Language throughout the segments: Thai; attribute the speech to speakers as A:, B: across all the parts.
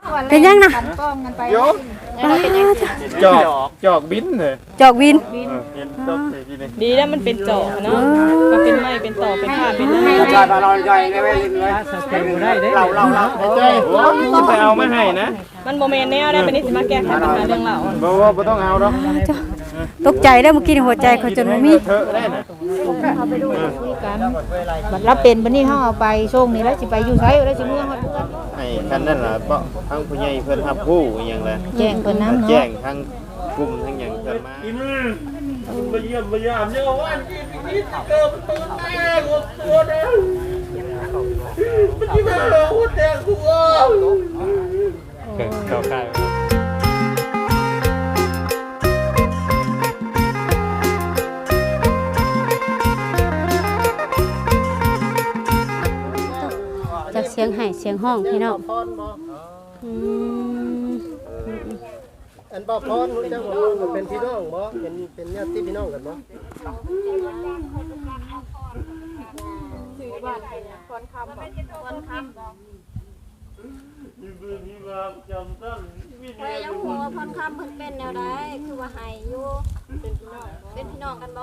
A: เป็นยังนะ
B: โยจอกบินเลย
A: จอกวิน
C: ดีแล้วมันเป็นจอกเนาะก็เป็นไม้เป็นต่อเป็นผ้าเป็นอะไร
D: จอยมาลอยจอยได้ไหมเรา
B: จะไปเอาไม่ให้นะ
C: มันโมเมนต์แนวได้เป็นนิสิมาแก้ไขปัญหาเรื่องเรา
B: บ่ต้องเอาหรอก
A: ตกใจได้เมื่อกี้หัวใจเขาจนมี
B: เถอะได้นะ
E: เอาไปดูคุยกันบัดรับเป็นบัดนี้เฮาเอาไปช่วงนี้แล้วสิไปอยู่ไสแล้วสิเมืองเพิ่น
B: ไอ้คันนั่นล่ะเพราะทั้งผู้ใหญ่เพิ่นรับผู้อย่างละ
E: แจ้งเพิ่นนำเนาะ
B: แจ้งทั้งกลุ่มทั้งหยังเพิ่นมา
D: มาเยี่ยมเนี่ยว่านี่เกิดตื่นแม่ตัวเด้อมันที่มาหัวแดงหัว
B: เข้าค่าย
A: จากเสียงไห้เสียงห้องพี่น้อง
D: อันบ่พรรู้จักว่ามันเป็นพี่น้องบ่เป็นญาติพี่น้องกันบ่
C: สื่อบ้านพรคำ
F: ใครยังหัวพรคำเพิ่นเป็นแนวใดคือว่าให้อยู่เป็นพี่น้องกันบ่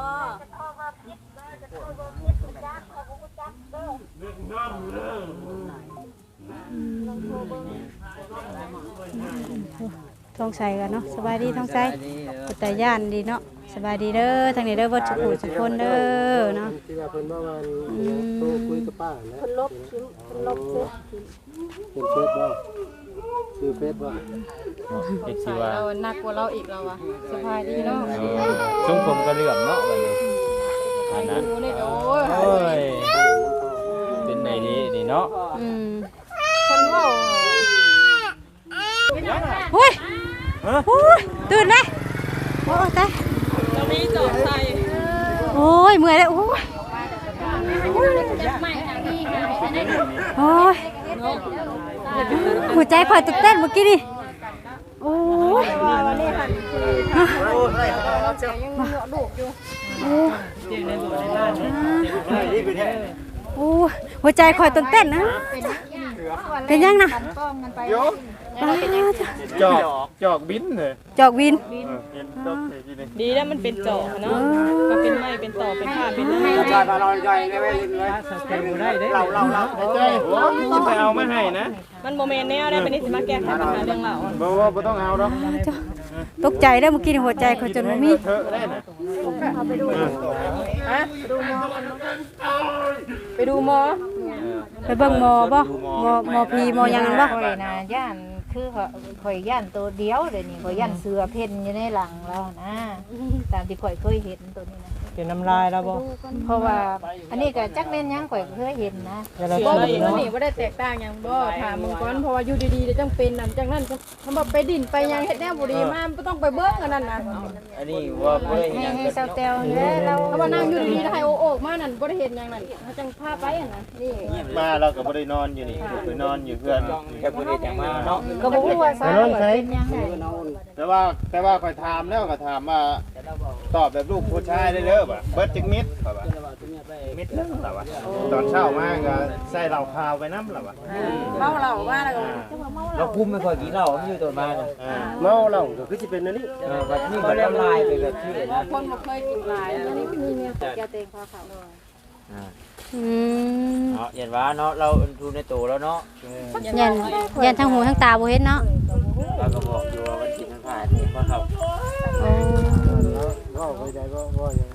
A: ท้องใสกันเนาะสบายดีท้องใสแต่ย่านดีเนาะสบายดีเด้อทางนี้เด้อบ่สุขสุขคนเด้อเนาะ
D: ที่ว่าเพิ่นว่าโทรคุยกับป้านะ
F: เพิ่นลบทิ้งเพิ่นลบทิ้ง
D: เป็นเฟซบ่คือเฟซบ่
C: เด็กสิว่าเราหนักกว่าเราอีกเราอะสบายดีเนาะ
B: ช่วงผมก็เหลื่อมเนาะแบบนี้อันนั้นโอ้ยเป็นไหนดีเนาะ
C: คนว่า
A: โอ้ยตื่นไหมโอ้ตาย
C: เรามีจอกใส่
A: โอ้ยเมื่อยแล้วโอ้ยโอ้ยหัวใจคอยตื่นเต้นเมื่อกี้นี่โอ้ยโอ้หัวใจคอยตื่นเต้นนะเป็นยังนะ
B: จอกบินเลย
A: จอกวิน
C: ดีแล้วมันเป็นจอกเนาะก็เป็นไม้เป็นต่อเป็นผ้าเป็นอะไร
D: จอยมาลอยจอยได้ไหมเรา
B: จะไปเอาไม่ให้นะ
C: มันโมเมนต์แนวได้เป็นนิสิมาแก้ไขปัญหาเรื่องเรา
B: บ่ต้องเอาหรอก
A: ตกใจได้เมื่อกี้หัวใจเขาจนมี
B: เถอะได้นะ
C: เอาไปดูไปดูหมอ
A: ไปเบิ่งหมอบ่หมอพีหมอยังบ่
E: ข่อยน่ะย่านคือข่อยย่านตัวเดียวเดี๋ยวนี้ข่อยย่านเสือเพ่นอยู่ในหลังแล้วนะตามที่ข่อยเคยเห็นตัวนี้นะ
D: เป็นน้ำลายแล้วบ่
E: เพราะว่าอันนี้ก็จักแม่นยังข่อยเคยเห็นนะ
C: บ่นี่บ่ได้แตกต่างหยังบ่ถามมึงก่อนเพราะว่าอยู่ดีๆจังเป็นนั่นจังนั้นคำว่าไปดินไปยังเฮ็ดแนวบ่ดีมาบ่ต้องไปเบิ่งอันนั้นน่ะ
B: อันนี้ว่าบ่ได้
E: ยังให้เซาแตวเนี่ยเรา
C: เพราะว่านั่งอยู่ดีๆแล้วให้โอกมานั่นบ่ได้เห็นหยังนั่นเขาจังพาไปอันนั้นนี่
B: มาเราก็บ่ได้นอนอยู่นี่ไปนอนอยู่เพื่อนแค่บ่ได้จังมาเนาะ
E: ก็บ่ฮู้ว่าสาเหตุเป็นยังไง
B: แต่ว่าค่อยถามแล้วก็ถามว่าตอบแบบลูกผู้ชายได้เด้อบ่เบิดจักมิดบ่ว่ามิดแล้วล่ะว่าตอนเช้ามาก็ใส่เหล้าขาวไปนำล่ะว่า
C: เมาเหล้ามาแล้วก็
D: เราคุมไม่ค่อยกินเหล้าอยู่ตัวมาเมาเหล้าก็คือสิเป็นอันนี้แบบนี้ก็ละลายไปแบบที่
C: คนบ่เคยกินหลายอันนี้มีเมียตกยาเต็งพอเขา
D: เนาะเห็นว่าเนาะเราดูในตัวแล้วเนาะ
A: ยันทั้งหูทั้งตาบ่เห็นเนาะ
D: เราก็บอกอยู่ว่ามันกินทั้งผ่านเห็นว่าเขา
A: โอ้
D: เข้าใจก็ยัง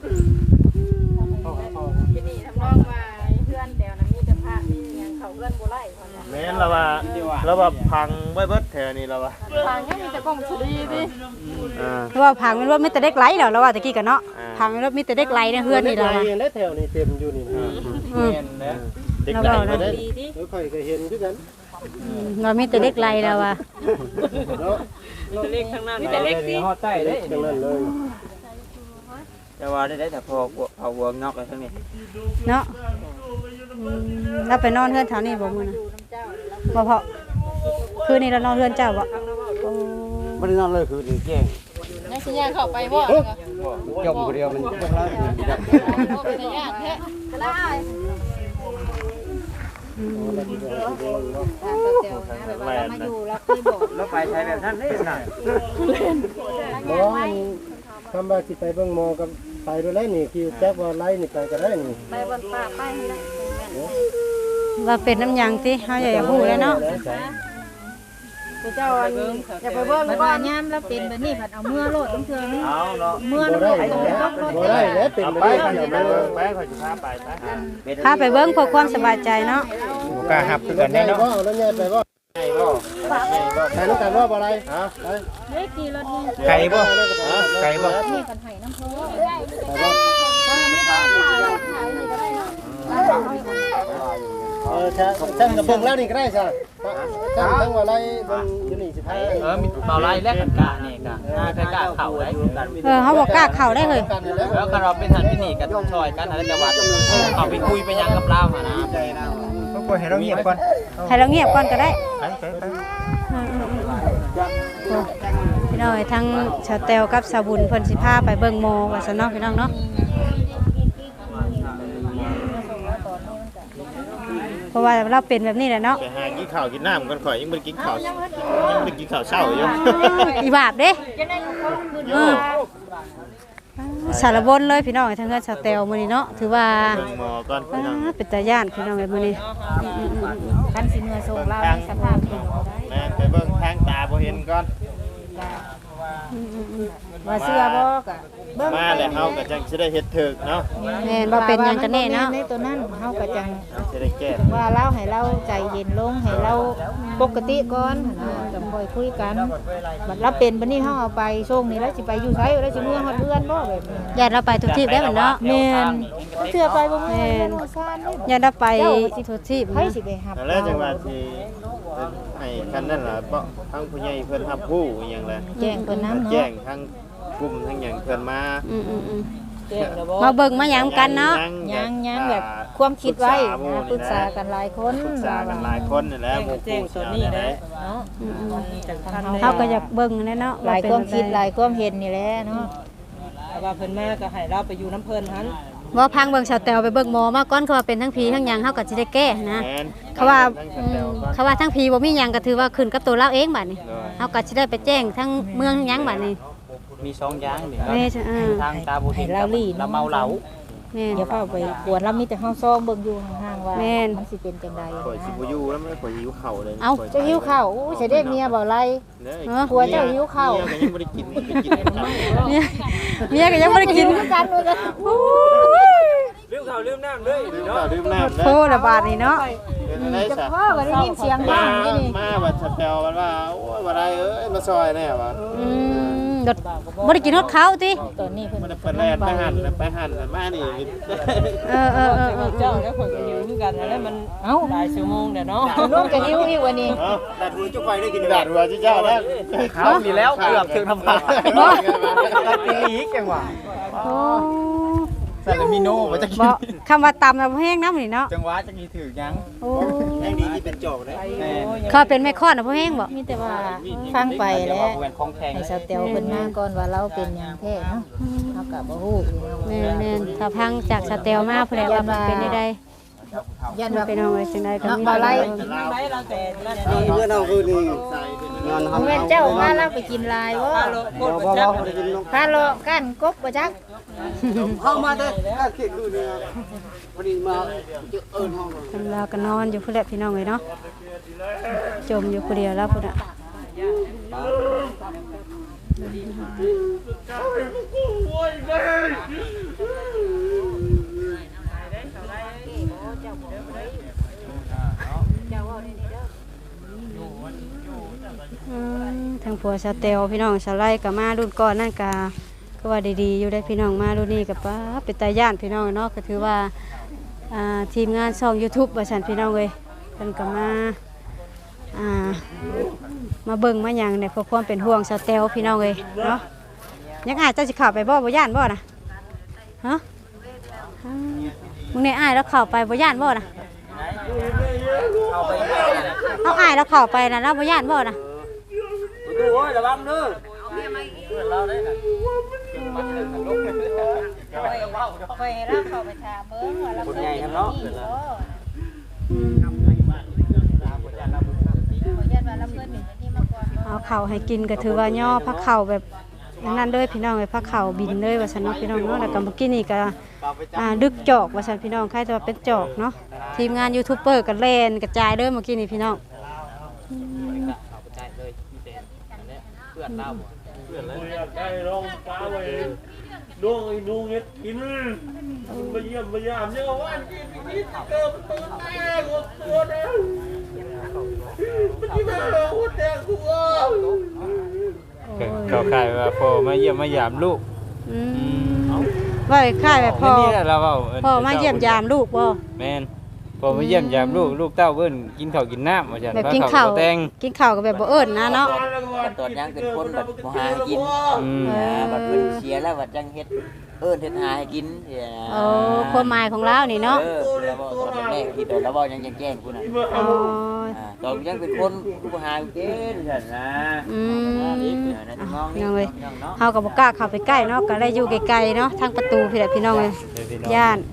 C: ที่นี่ทำนองว่าเพื่อนแถวนั้นมีแต่พระมีหยังเขาเพื่อนบ่ไล่คนน่ะ
B: แม่นเราว่าพังไว้เบิดแถวนี้เราว่า
C: พังยังมีแต่กล้องสุรีติ
A: เพราะว่าพังมันว่ามีแต่เด็กไหลแล้วว่าตะกี้กันเนาะพังมันว่ามีแต่เด็กไหลในเฮือนนี่ล่ะ
D: ได้แถวนี้เต็มอยู่นี่
B: แม่นนะเด็กไหลมาได้
D: ค่อยก็เห็นคือกัน
A: เรามีแต่เด็กไหลแล้วว่ะ
C: เล็กข้างหน้ามีแต่เล็กสิ
D: ฮอดใต้เด้จังนั้นเลยแต่ว่าได้แต่พอเอาหัวนอกไปทั้งนี้
A: เนาะเราไปนอนเฮือนแถวนี้บ่มื้อน่ะบ่เพาะคืนนี้เรานอนเฮือนเจ้าบ่
D: บ่ได้นอนเลยคือแจ้ง
C: ยังสิย่างเข้าไปบ่
D: จมผู้เดียวมันจังแล้ว
C: เป็นญาติแท้ก็ได้
E: ตามสเตลนะแบบว่าเรามาอยู่เราเคยบอก
B: แล้วไปใช้แบบนั้นได้น่ะ
G: บ่คำว่าสิไปเบิ่งหมอกับไปด้วยแล้วนี่คือแจ๊กว่าไล่นี่ไปก็ได้นี่
F: ไปบนป่าไปให้ได้
A: ว่าเป็นน้ำยางติเฮาอยากฮู้แล้วเนาะ
C: เจ้าอย่าไปเบิ่ง
E: มัน
C: ก่อ
E: ว่าน ย่ามแล้วเป็นแบบนี้ผัดเอาเมื่อโลดต้องเทื่อนี่
B: เอาเนาะ
E: เมื่อ
G: บ่
E: แล้ว
G: ได้
E: โลด
G: แล้ว
E: ต้องรถ
G: บ่ได้แล้วเป็น
B: เอา
G: ไป
B: ไป
G: ได้
B: ไป
G: เดี๋ยว
B: ไป
G: ไป
B: ไปขอจะพาไปไป
A: พาไปเบิ่งเพื่อความสบายใจเนาะ
B: กล้าหับคือกัน
G: ได้
B: แน่
G: บ่
B: เนาะ
G: แล้วยายไปบ่
B: ไก่บ่
G: ไปนำกันบ่อะไรฮะไป
E: เฮ้ยกี่รถนี่
B: ไก่บ่ไก่บ่
E: นี่กันไห้น้ำพุ
G: ช่างกับเบิ่งแล้วนี่ก็ได้จ้ะช่างทั้งว่าไรเบิ่งอยู่นี่สิพา
H: มีเบาไล่แลกกันกะนี่กะใครกะเข่าได้
A: เฮาบ่กล้าเข้าได้เลย
G: กันอยู่แล้ว
H: แล้วก็เราเป็นทันพินีกันช่วยกันอะไรจังหวัดเขาไปคุยไปยังกับเราหานะ
B: ก็ปล่อยให้เราเงียบก่อน
A: ให้เราเงียบก่อนก็ได้
B: ไปไปไป
A: พี่น้องทั้งชาวแตวกับสาวบุญเพิ่นสิพาไปเบิ่งโมว่าซั่นเนาะพี่น้องเนาะเพราะว่าเราเป็นแบบนี้แหละเนาะ
B: ไปหากินข้าวกินน้ำกันข่อยยังบ่ได้กินข้าวยังบ่ได้กินข้าวเช้าอยู่
A: อีบาปเด้สารบนเลยพี่น้องทั้งเงินชาวแตวมื้อนี้เนาะถือว่า
B: เบิ่งหมอก่อนพี่น้อง
A: เป็นตาย่านพี่น้องมื้อนี้
E: คันสิเมื่อส่งเราในสภาพที่เราได้
B: แม่ไปเบิ่งทางตาบ่เห็นก่อน
E: ว่าเสื้อบ่กะเบิ่ง
B: มาแล้วเฮาก็จังสิได้เฮ็ดถึกเนาะ
A: แม่นบ่เป็นหยังกันแน่เนาะ
E: ในตัวนั้นเฮาก็จัง
B: สิได้แก้
E: ว่าเราให้เราใจเย็นลงให้เราปกติก่อนจังค่อยคุยกันบัดเราเป็นบัดนี้เฮาเอาไปส่งนี่แล้วสิไปอยู่ไสแล้วสิเมื่อฮอดเรือนบ่แบบนี้
A: ญาติเราไปทุกที่ได้เหมือนเนาะ
E: แม่นบ่เชื่อไปบ่แม่นบ่ซ่านเด้
A: ญาติเราไปทุกที่
E: ไผสิไปหับ
B: แล้วจังว่าสิให้คันนั้นล่ะบ่ทางผู้ใหญ่เพิ่นรับรู้อีหยังแหละ
E: แจ้งเพิ่นนำ
B: แจ้
E: เนาะ
B: งทางกลุ่มทางหยังเพิ่นมา
A: มาเบิ่งมาหยังกันเนาะ
E: ยังแบบความคิดไว้นะปรึกษากันหลายคน
B: ปรึกษากันหลายคนนี่แหละหมู่คู่เจ้านี่แหละ
E: เนาะ
A: เฮาก็อยากเบิ่งแน่เนาะ
E: หลายความคิดหลายความเห็นนี่แหละเนาะ
C: ว่าเพิ่นมาก็ให้เราไปอยู่น้ำเพิ่นหัน
A: ว่าพังเบิ่งชาวแตวไปเบิ่งหมอมาก่อนเขาว่าเป็นทั้งผีทั้งหยังเฮาก็สิได้แก้นะ
B: แม่น
A: เขาว่าเขาว่าทั้งผีบ่มีหยังก็ถือว่าขึ้นกับตัวเราเองบัดนี้เฮาก็สิได้ไปแจ้งทั้งเมืองทั้งหยังบัดนี้
H: มี2อย่างนี่
A: แม่จ้ะ
H: ทางตาบุญเราเมาเหล้า
A: แม่น
E: อย่าเข้าไปกวนเรามีแต่เฮาซองเบิ่งอยู่ห่างๆว่า
A: แม่น
E: มันสิเป็นจังได
B: ข่อยสิบ่อยู่แล้วมันข่อยหิวข้าวเลย
A: เอ้า
E: เจ้าหิวข้าวอู้สิได้เมียบ่ไร ผัวเจ้าหิวข้าว
B: เมียก็ยังบ่ได้กินไปกินกัน
A: เมียก็ยังบ่ได้กิน
E: กันเลยกัน
A: โอ้ย
H: ลืมข้าวลืมน้ำเลย
B: ดื่มน้ำ
A: โทษละบาดนี่เนาะ
B: เป็นอะไร
E: จะ
B: ซะ
E: พ่อก็ได้ยินเสียงดั
B: มาง
E: นี่นี่
B: มาบัดสะแปวมันว่าโอ้ยบ่ได้เอ้ยมาซอยแน่ว่ะ
A: รถบ่ได้กินฮอดข้าวติ
E: ตอนนี้เพิ่น
B: มันเพิ่นแล่นไปหั่นมานี่
A: เออ
C: เจ้าแล้วข่อยก็อยู่คือกันแล้วมัน
E: เอ้า
C: หลายชั่วโมงเด้อเนาะ
E: ลูกจะหิวอีกวันนี้
B: เอ้าดัดหัวจุกไฟได้กินดัดหัวเจ้าแล้ว
H: เขาดีแล้วเกือบถึงทำผ่านตัดปีอีกจังหวะ
A: โอ้
H: ซาลามิโน่ว่าจะกิ
A: บ่
H: น
A: คำว่าตำน่ะบ่แห้งน้ำนี่เนาะ
H: จังหวะจะมีถือยัง
A: โอ้
B: ยังดีที่เป็นโจกได้
H: แม่
A: เขาเป็นแม่ค้อนน่ะบ่แห้งบ่
E: มีแต่ว่าฟังไปแล้ว
H: แหวนของแข็ง
E: ให้สาวเตียวเพิ่นมาก่อนว่าเราเป็นหยังแท้เนาะเฮาก็บ่ฮู้
A: แม่นๆถ้าพังจากสเตลมาผู้ใดว่ามันเป็นได้
E: ยัน
A: มัน
E: ว่า
A: เป็นเอาไว้จังไดก็มี
E: บ่ไร
C: ไปเราแต่นั่น
G: เมื่อเราคือนี่นอน
E: เมื่อเจ้ามาเราไปกินลายบ่
C: โคตรประจักษ์
E: พาโลกันกบบ่จัก
G: เข้ามาเด้อก็คิดคือนี่พอดีมาเอิ้นห้อง
A: ทำลาวก็นอนอยู่พุ่นแหละพี่น้องเอ้ยเนาะจมอยู่ผู้เดียวแล้วพุ่นน่ะ ทางผัวสาวเตลพี่น้องสาวไล่กับมารุ่นก่อนนั่นก็ว่าดีๆอยู่ได้พี่น้องมารุ่นนี้กับป้าเป็นตาย่านพี่น้องเนาะก็ถือว่าทีมงานช่อง YouTube ว่าฉันพี่น้องเลยเพิ่นก็มาเบิ่งมาหยังเนี่ยเพื่อความเป็นห่วงสาวเตลพี่น้องเลยเนาะยังอาจจะสิเข้าไปบ่ย่านบ่นะฮะมึงเนี่ยอ้ายแล้วเข้าไปบ่ย่านบ่นะเอาอ้ายแล้วเข้าไปนะแล้วบ่ย่านบ่นะ
H: ดูโอ้ยระวังเด้อ
E: ไปเราเข้าไปถามเบิ่งว่าเรา
H: คนใหญ่ครับเนาะ
A: อืมเอาข้าวให้กินก็ถือว่าย่อพักข้าวแบบนั้นเลยพี่น้องเลยพักข้าวบินเลยว่าซั่นเนาะพี่น้องเนาะแล้วก็เมื่อกี้นี่ก็ดึกจอกว่าซั่นพี่น้องใครจะว่าเป็นจอกเนาะทีมงานยูทูบเบอร์ก็เล่นกระจายเด้อเมื่อกี้นี่พี่น้อง
H: เพื่อนเรา
D: ได้ลองปลาไว้ดวงไอ้นูเฮ็ดกินมาเยี่ยมมายามเนี่ยว่ากินนิดเกินตื่นแม่กูตัวเด้อมันที่มาหัวแดงกู
H: เขาขายว่าพ่อมาเยี่ยมมายามลูก
A: ว่าค่ายแบบพ่อ
H: นี่แหละเราเว้า
A: พ่อมาเยี่ยมยามลูกบ่
H: แม่นพ่อมาเยี่ยมยามลูกเต้าเบิ่นกินข้าวกินน้ำว่าซั่น
A: แบบกินข้าว
H: แตง
A: กินข้าวก็แบบบ่เอิ้นนะเนาะ
I: ตอนยังเป็นคนแบบบ่หาให้กินบัดเพิ่นเสียแล้วบัดยังเฮ็ดเฮ็ดหาให้กิน
A: โอ้ความหมายของเรานี่เนาะ
I: แล้วบ่ตอนแรกที่ตอนแล้วบ่ยังแจ้งกูน่ะ
A: อ๋อ
I: ตอนยังเป็นคนกูบ่หากินซั่นนะ
A: ยังเลยเฮาก็บ่กล้าเข้าไปใกล้เนาะก็เลยอยู่ไกลๆเนาะทางประตูพี่แหละพี่น้องเอ้ยย่าน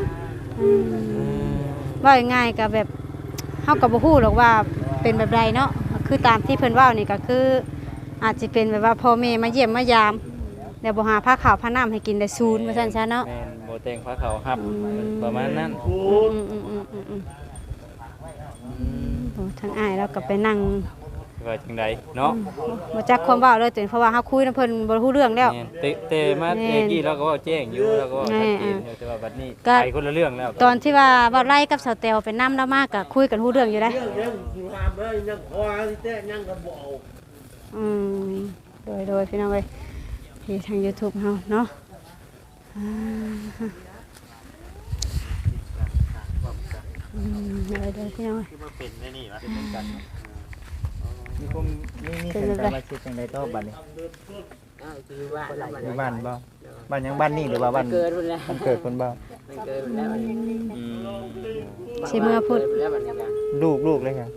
A: ว่าง่ายๆก็แบบเฮาก็บ่ฮู้หรอกว่าเป็นแบบใดเนาะคือตามที่เพิ่นเว้านี่ก็คืออาจสิเป็นแบบว่าพ่อแม่มาเยี่ยมมายามแล้วบ่หาผ้าขาวผ้าน้ำให้กินได้ซูนว่าซั่นซะเนาะ
H: แม่นบ่แต่งพระเขาครับประมาณนั้น
A: โอ้ทางอ้ายเราก็ไปนั่ง
H: ว่าจังไดเนาะ
A: บ่จักความเว้าเลยเพราะว่าเฮาคุยนำเพิ่นบ่รู้เรื่องแล้ว
H: เตมาเมื่อกี้เราก็เว้าแจ้งอยู่แล้วก็ชัดเจนอยู่แต่ว่าบัดนี้ไปคนละเรื่องแล้ว
A: ตอนที่ว่าเว้าไล่กับสาวแตวไปนำแล้วมากก็คุยกันรู้เรื่องอยู่ได้
D: ยังหามได้ยังคอที่แท้ยังก็บ่เอา
A: โดยพี่น้องเอ้ยที่ทาง YouTube เฮาเนาะโดยพี่น้องเอ้ย
B: เป็นได้นี่วะ
H: มีคนนี่เป็นสมาชิกจังได๋ต่อบัดนี้อยู่บ้านบ่บ้านยังบ้านนี่หรือว่าบ้านเกิดพุ่นแล้วมันเกิดคนบ่มันเกิดแล้ว
A: สิเมื่อพุธ
H: ลูกเลยครับ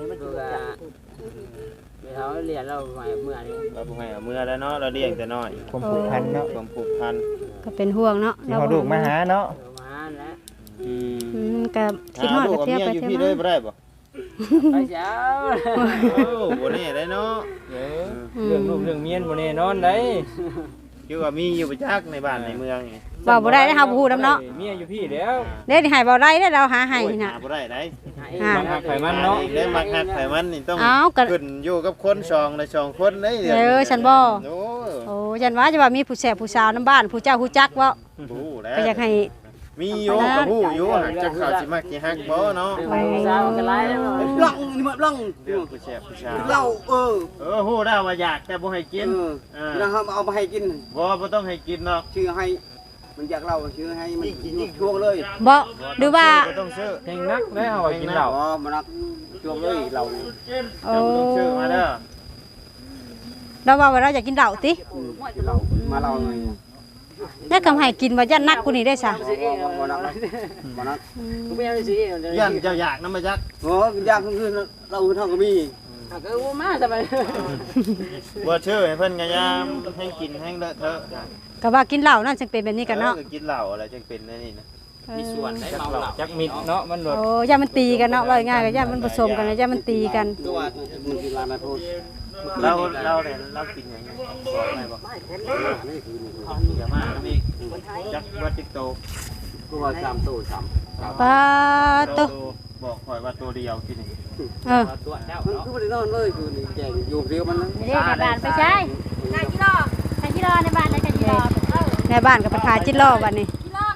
I: เขาเรียนเราใหม่เมื่อนี้
B: เราบ่ให้เอาเมื่อแล้วเนาะเราเลี้ยงแต่น้อย
H: ความผูกพันเนาะ
B: ความผูกพัน
A: ก็เป็นห่วงเนาะ
H: ที่เขาลูกมาหาเนาะ
I: มาแล้ว
A: ก็คิดฮอดก็เที่ยวไป
B: อยู่
A: เที่ยว
B: พี่เลย
A: มา
B: บ่ได้บ่
I: ไปเช้า
B: โอ้บ่แน่ได้เนาะ
H: เรื่องลูกเรื่องเมียนบ่แน่นอนได้
B: คือว่ามีอยู่ประจักษ์ในบ้านในเมืองนี่
A: เว้าบ่ได้เฮาบ่ฮู้นำเนาะ
H: เมียอยู่พี่แล้ว
A: เด้นี่ให้เว้าได้เด้เราหาให้น่ะ
B: หาบ่ได้ได้
H: บางหักไผมันเนาะ
B: ได้มักฮักไผมันนี่ต้อง
A: อ้าวก็
B: ขึ้นอยู่กับคนสองและสองคนเด้
A: ฉันบ่
B: โอ้
A: โอ้ยันว่าจะว่ามีผู้แสบผู้สาวนํบ้านผู้เจ้าผู้จักบ่
B: ฮู้แล้ว
A: ก็อยากให้
B: มีอยู่ก็ฮู้อยู่หากจะเข้าสิมักสิฮักบ่เนาะ
I: เช้ากันไล่แล้ว
G: บลังนี่มาบลัง
B: เรื่องผู้แซ่บผู้ชาว
G: เรา
B: ฮู้ได้ว่าอยากแต่บ่ให้กิน
G: เราเอามาให้กิน
B: บ่ต้องให้กินเนาะ
G: ชื่อให้มันอยากเราชื่อให้มันช่วงเลย
A: บ่หรือว่า
B: บ่ต้องซื้อ
H: แห่งนักแล้วเอากินเหล้า
G: อ๋อมันนักช่วงเลยเรา
A: โอ้
B: บ่ต้องซื้อมาเด้อ
A: เราว่าเราอยากกินเหล้าติ
G: เรามาเราหน่อย
A: แล้วก็ให้กินว่ายันนักกูนี่ได้ซะ
G: มานักมานัก
I: ไม่เอาสิ
B: ยันเจ้าอยากนำมาจัก
G: โอ้ยากคือเราเท่ากับมี
I: ก็มาสบาย
B: บ่ชื่อให้เพิ่นก็ยามให้กินให้เลอะเทอะ
A: ก็ว่ากินเหล้านั่นจึงเป็นแบบนี้กันเนาะ
B: กินเหล้าอะไรจังเป็นอันนี่นะ
H: มีส่วนได้เมาเหล้าจักมิดเนาะมันรถ
A: โอ้ย่ามันตีกันเนาะว่าง่ายก็ย่ามันผสมกันย่ามันตีกัน
G: ตัวมันกินลานาโทษ
B: เราเนี่ยเรากินอย่างนี้บอกไหมบอกอย่ามาแล้วนี่จักว่าจิกโต
G: ตัว3ตัว3
A: ปลาโต
B: บอกคอยว่าตัวเดียวกินนี่
H: ตัวแล้ว
G: มันคือบ่ได้นอนเลยคือนี่แจงอยู่เดียวมันนะ
F: เรียกในบ้านไปใช้ใช้กิโลในบ้านได้ใช้กิโล
A: ในบ้านก็ไปขายจิตล้อบัดนี้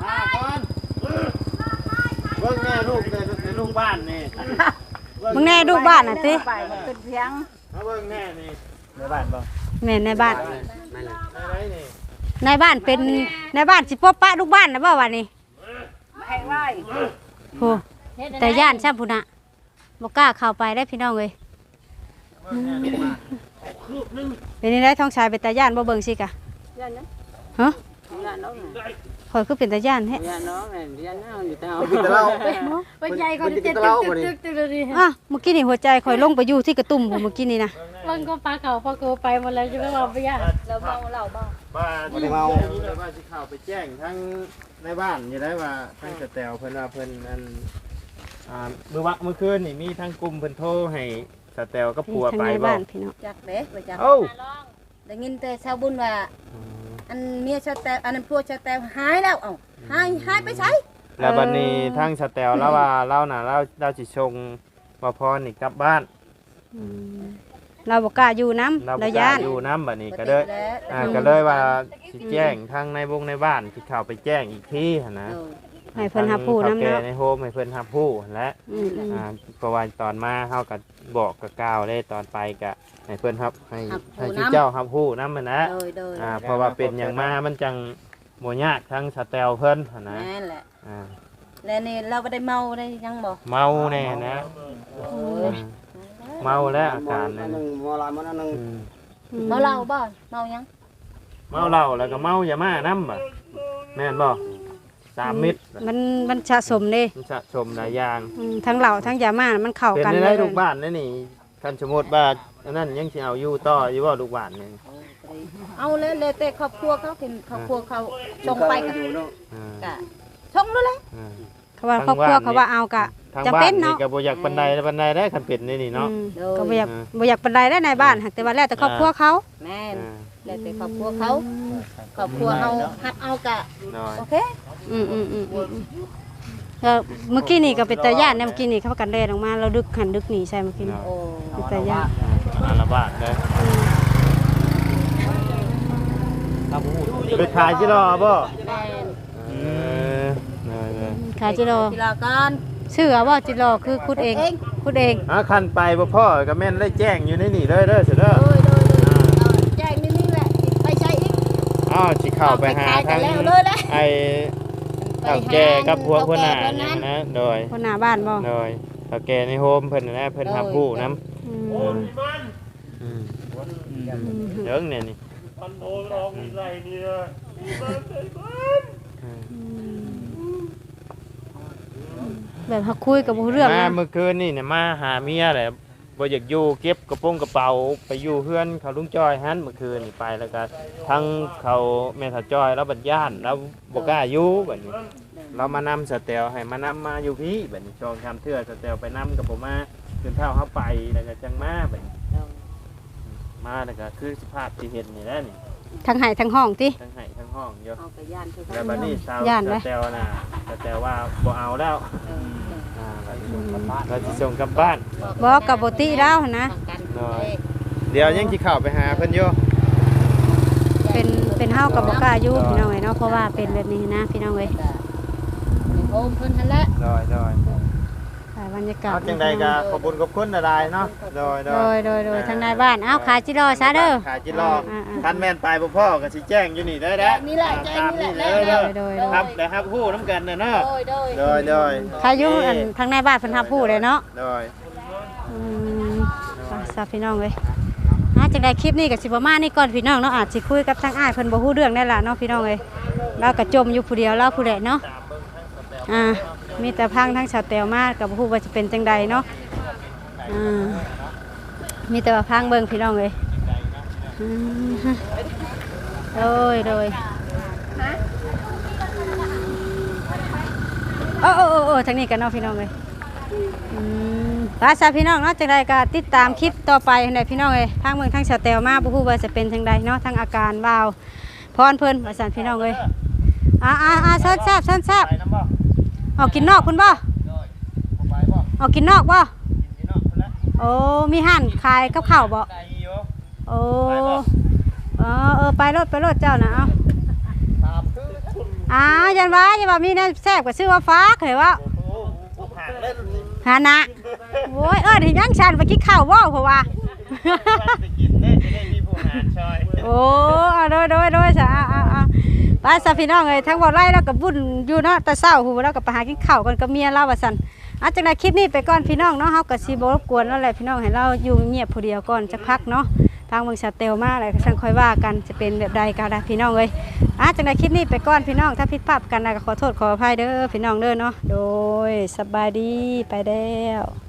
B: เบิ่งแม่ลูกในลูกบ้านนี่
A: มึงแน่ดูบ้านน่ะติ
F: ไปมันขึ้นเพียง
B: เบิ่งแม่นี่
H: ในบ้านบ่
A: แม่นในบ้าน
B: อะไรนี่
A: ในบ้านเป็นในบ้านสิปบปะลูกบ้านนะบ่วันนี้
F: ให้ไว้
A: โหแต่ย่านซ้ำพุ่นน่ะบ่กล้าเข้าไปได้พี่น้องเอ้ยเป็นนี่ได้ท้องชายเป็นตาย่านบ่เบิ่งสิกะ
I: ยันนะ
A: ฮะ
I: ยันน้อง
A: ข่อยคือเป็นตาย่านแท้
I: ยันน้องยันน้องอยู่เท้า
G: กินแต่เรา
F: ไปใหญ่เขาจะตึกเลย
A: อ่ะเมื่อกี้นี่หัวใจข่อยลงไปอยู่ที่กระตุ่มผมเมื่อกี้นี่นะ
F: ลงก็ปลาเก่าพอเกไปหมดแล้วจะไม่บอกไปย่าเราเมา
B: บ้านบ้านสิเข้าไปแจ้งทั้งในบ้านอยู่ได้ว่าทั้งสแตลเพิ่นว่าเพิ่นอันเมื่อคืนนี่มีทั้งกลุ่มเพิ่นโทรให้สแตลก็ผัว
A: ทาง
B: ไป
A: ใน
B: บ่
A: บ้านพี่น้อง
F: จักเด้บ่จัก
B: เอ้า
F: ได้ยินแต่ชาวบุญว่าอันเมียชาวแต่อันนั้นพวกชาวแต่หายแล้วเอ้าหายไปไส
B: แล้วบัดนี้ทางสแตลแล้วว่าเราน่ะเราสิส่งบ่พรนี่กลับบ้าน
A: อืมเราบ่กล้าอยู่น้ำ
B: เราบ่
A: เรา
B: กล้า
A: ย่าน
B: อยู่น้ำบัดนี้ก็เลยก็เลยว่าสิแจ้งทางในบ้านสิเข้าไปแจ้งอีกทีหั่นนะ
A: ให้เพิ่นรับผู้นำ
B: เนาะ
A: เนาะ
B: ในโฮมให้เพิ่นรับผู้และ
A: อืม
B: เพราะว่าตอนมาเฮาก็บอกกับกล่าวเลยตอนไปก็ให้เพิ่นรับให้ชื่อเจ้ารับผู้นำมันนะ
F: โดย
B: เพราะว่าเป็นอย่างมามันจังบ่ยากทั้งสแตลเพิ่นหั่นนะ
F: นั่นแหละ
B: อ่า
F: แล้วนี่เราบ่ได้เมาได้ยังบ่
B: เมาแน่นะเมาแล้วอาการนั่น
G: มอลายมันนึง
F: เมาเหล้าบ่เมายัง
B: เมาเหล้าแล้วก็เมายาม่านำบ่แม่นบ่3 เม็ด
A: มันสะสมเด้
B: มันสะสมหลายอย่าง
A: ทั้งเหล้าทั้งยาม่ามันเข้า
B: เป็น
A: กัน
B: ได้ทุกบ้านนั่นนี่คันสมมุติว่าอันนั้นยังสิเอาอยู่ต่ออยู่บ่ลูกบ้านนี่
F: เอาเลยแต่ครอบครัวเขาเห็นครอบครัวเขาส่งไปก็
B: อ่า
F: ก็ส่งด้วยเลย
B: อ่า
A: เขาว่าครอบครัวเขาว่าเอากะ
B: ทาง
A: จำ
B: บ้า
A: เป็น น
B: นี่
A: เนาะ
B: ก็บ่อยากปานใดได้คันเป็ดนี่เนาะ
A: ก็บ่อยากปานใดได้ในบ้านหากแต่ว่าแล้วแต่ครอบครัวเขา
F: แม่นแล้วแต่ครอบครัวเขาครอบครัวเฮาฮับเอากะ
B: น้อย
F: โอเค
A: เมื่อกี้นี่ก็เป็นตาย่านเนี่ยเมื่อกี้นี่เขากันแล่นออกมาเราดึกหันดึกหนีใช่เมื่อกี้นี่
F: โอ้
A: เป็นตาย่าน
B: อาละบาทเด้อไปขายจิรอบ่
F: แม่น
B: เออได้
A: ขายจิโร่
F: ทีละก่อน
A: ชื่อว่าจิโร่คือคุดเองคุดเอง
B: คันไปบ่พ่อก็แม่นได้แจ้งอยู่ในนี่เด้อเสิเด้อ
F: โดยแจ้งนี่แหละไปใช้อีก
B: อ้าวสิเข้าไปหาทางไอ้เฒ่าแก่กับพวกคนหน้านี่นะโดย
A: คนหน้าบ้านบ่
B: โดยเฒ่าแก่ในโฮมเพิ่นนะเพิ่นรับผู้นำ
A: อื
D: โอ้
A: ม
D: ยมัน
B: เรื่องเนี่ยนี่
D: มันโดนลองมีไรเนี่ยมันเป็นมัน
A: แบบเขาคุยกับเรื่อง
B: มา
A: นะ
B: เมื่อคืนนี่เนี่ยมาหาเมียแหละบ่อยากอยู่เก็บกระเป๋าไปอยู่เพื่อนเขาลุงจ้อยหันเมื่อคืนนี่ไปแล้วก็ทั้งเขาแม่ถ้าจ้อยแล้วบัดย่านแล้วบ่กล้าอยู่บัดนี้เรามานำสเตลให้มานำมาอยู่พี่บัดนี้ชองทำเทื่อสเตลไปนำกับผมมาจนเท่าเขาไปแล้วก็จังมาบัดนี้มาแล้วก็คือสภาพที่เห็นนี่แหละนี่
A: ทั้งไห้ทั้งห้องติ
B: ทั้งไห้ทั้งห้องอยู่
F: เอาไปย่านคือ
B: แล้วบัดนี้สาว
A: ย่านไหม
B: สเตลน่ะสเตลว่าบ่เอาแล้วเราจะส่งกลับบ้าน
A: บอกกับบ่ติแล้วหั่นนะ
B: เดี๋ยวยังสิเข้าไปหาเพิ่นอยู่
A: เป็นเฮากับบ่กล้าอยู่พี่น้องเอ้ยเนาะเพราะว่าเป็นแบบนี้นะพี่น้องเอ้ย
F: โอมเพิ่นหั่นแหละ
B: โดย
A: ถ่ายบรรยากาศ
B: เอาจังใดก็ขอบคุณขอบคุณหลายๆเนาะโดย
A: โดยทางในบ้านเอ้าขายจิโร่ซะเด้อ
B: ขายจิรอคันแม่นไปบ่พ่อก็สิแจ้งอยู่นี่เด้อเด้อ
F: นี่แหละแจ้งนี่แหละ
B: เด้อ
A: โดย
B: ครับได้ครับฮู้นํกันเนาะ
F: โดย
B: โดย
A: ขายอยู่อันทางในบ้านเพิ่นรับผู้เลยเนาะ
B: โดย
A: ซาพี่น้องเลยจังได้คลิปนี้กับสิประมาณนี้ก่อนพี่น้องเนาะอาจสิคุยกับทางอ้ายเพิ่นบ่ฮู้เรื่องได้ล่ะเนาะพี่น้องเลยเราก็จมอยู่ผู้เดียวเราผู้ใดเนาะมีแต่พังทั้งชาวแตวมากับบ่ฮู้ว่าจะเป็นจังใดเนาะมีแต่ว่าพังเบิ่งพี่น้องเลยโดยโอ้ทางนี้กันเนาะพี่น้องเลยภาษาพี่น้องเนาะจังใดก็ติดตามคลิปต่อไปให้พี่น้องเลยทางเมืองทางชาวแตวมาบ่ฮู้ว่าจะเป็นจังใดเนาะทางอาการบ่าวพรเพิ่นภาษาพี่น้องเลยซ้อนแซ่บเอากินนอกคุณบ่เอากินนอกบ่โอ้มีห้านขายกับข้าวบ่โอ้ไปรถเจ้านะเอายันว่ามีแนวแซ่บก็ชื่อว่าฟ้าเคยว่าหานะโอ้ยที่ยังชันไปกินข้าวว่าเพราะว่าโอ้โดยจ้ะไปซะพี่น้องเอ้ยทั้งบ่ไล่แล้วก็บุญอยู่เนาะแต่เช้าหูแล้วก็ไปหากินข้าวกันกับเมียเราว่าซั่นจังได๋คลิปนี้ไปก่อนพี่น้องเนาะเฮาก็สิบ่รบกวนแล้วแหละพี่น้องให้เราอยู่เงียบผู้เดียวก่อนจักพักเนาะทางเมืองชาเตลมาอะไรก็ช่างค่อยว่ากันจะเป็นแบบใดก็ได้พี่น้องเอ้ยจังได๋คลิปนี้ไปก่อนพี่น้องถ้าผิดพลาดกันก็ขอโทษขออภัยเด้อพี่น้องเด้อเนาะโดยสบายดีไปแล้ว